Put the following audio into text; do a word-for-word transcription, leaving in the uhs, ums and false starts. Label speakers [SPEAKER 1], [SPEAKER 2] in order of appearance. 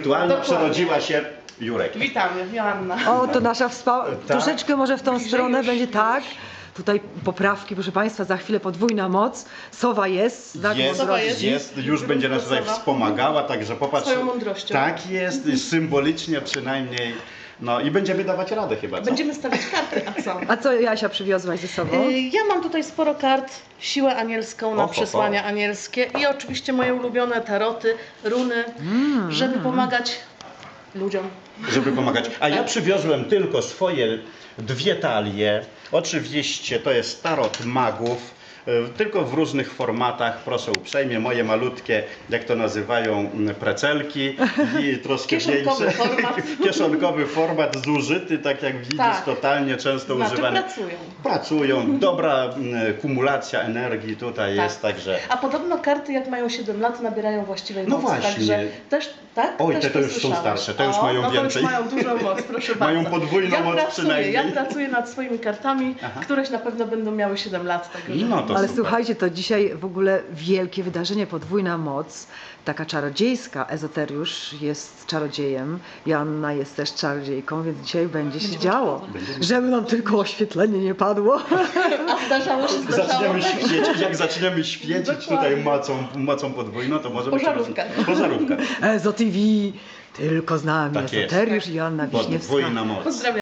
[SPEAKER 1] wirtualna
[SPEAKER 2] Dokładnie.
[SPEAKER 1] przerodziła się Jurek.
[SPEAKER 2] Witamy, Joanna.
[SPEAKER 3] O, to nasza wspa...
[SPEAKER 1] Tak.
[SPEAKER 3] Troszeczkę może w tą
[SPEAKER 2] Bliżej
[SPEAKER 3] stronę
[SPEAKER 2] już,
[SPEAKER 3] będzie
[SPEAKER 2] już.
[SPEAKER 3] tak. Tutaj poprawki, proszę Państwa, za chwilę podwójna moc. Sowa jest, znak
[SPEAKER 1] Jest,
[SPEAKER 2] Sowa
[SPEAKER 3] mądrości.
[SPEAKER 1] jest, już będzie nas tutaj
[SPEAKER 2] Sowa.
[SPEAKER 1] wspomagała, także popatrz.
[SPEAKER 2] Swoją mądrością.
[SPEAKER 1] Tak jest, symbolicznie przynajmniej. No i będziemy dawać radę chyba, co?
[SPEAKER 2] Będziemy stawiać karty, a co?
[SPEAKER 3] A co Jasia przywiozłaś ze sobą?
[SPEAKER 2] Y, Ja mam tutaj sporo kart, siłę anielską na
[SPEAKER 1] Oho,
[SPEAKER 2] przesłania anielskie i oczywiście moje ulubione taroty, runy,
[SPEAKER 3] Mm,
[SPEAKER 2] żeby pomagać ludziom.
[SPEAKER 1] Żeby pomagać. A ja przywiozłem tylko swoje dwie talie. Oczywiście to jest tarot magów. y, Tylko w różnych formatach, proszę uprzejmie, moje malutkie, jak to nazywają, m, precelki i troszkę
[SPEAKER 2] Kieszonkowy
[SPEAKER 1] większe.
[SPEAKER 2] format.
[SPEAKER 1] Kieszonkowy format zużyty, tak jak widzisz,
[SPEAKER 2] Tak.
[SPEAKER 1] totalnie często
[SPEAKER 2] Znaczy
[SPEAKER 1] używany.
[SPEAKER 2] pracują.
[SPEAKER 1] Pracują, dobra m, kumulacja energii tutaj
[SPEAKER 2] Tak.
[SPEAKER 1] jest, także.
[SPEAKER 2] A podobno karty jak mają siedem lat nabierają właściwej
[SPEAKER 1] No
[SPEAKER 2] mocy,
[SPEAKER 1] właśnie.
[SPEAKER 2] także też, tak?
[SPEAKER 1] Oj,
[SPEAKER 2] też
[SPEAKER 1] te to już są
[SPEAKER 2] słyszałeś.
[SPEAKER 1] starsze, te już
[SPEAKER 2] O,
[SPEAKER 1] mają
[SPEAKER 2] no to
[SPEAKER 1] więcej.
[SPEAKER 2] już mają dużą moc, proszę
[SPEAKER 1] Mają
[SPEAKER 2] bardzo.
[SPEAKER 1] podwójną
[SPEAKER 2] ja
[SPEAKER 1] moc
[SPEAKER 2] pracuję,
[SPEAKER 1] przynajmniej.
[SPEAKER 2] Ja pracuję nad swoimi kartami,
[SPEAKER 1] Aha.
[SPEAKER 2] któreś na pewno będą miały siedem lat. Także...
[SPEAKER 1] No to
[SPEAKER 3] Ale
[SPEAKER 1] super.
[SPEAKER 3] słuchajcie, to dzisiaj w ogóle wielkie wydarzenie, podwójna moc, taka czarodziejska. Ezoteriusz jest czarodziejem, Joanna jest też czarodziejką, więc dzisiaj będzie się
[SPEAKER 2] Będzie
[SPEAKER 3] działo.
[SPEAKER 2] można.
[SPEAKER 3] Żeby nam tylko oświetlenie nie padło.
[SPEAKER 2] A zdarzało się, zdarzało.
[SPEAKER 1] Zaczniemy świecić, jak zaczniemy świecić
[SPEAKER 2] Dokładnie.
[SPEAKER 1] tutaj mocą, mocą podwójną, to może być
[SPEAKER 2] Pożarówka.
[SPEAKER 1] Pożarówka.
[SPEAKER 3] Ezo T V, tylko z nami
[SPEAKER 1] Tak jest.
[SPEAKER 3] Ezoteriusz i Joanna Wiśniewska.
[SPEAKER 1] Podwójna moc.
[SPEAKER 2] Pozdrawiam.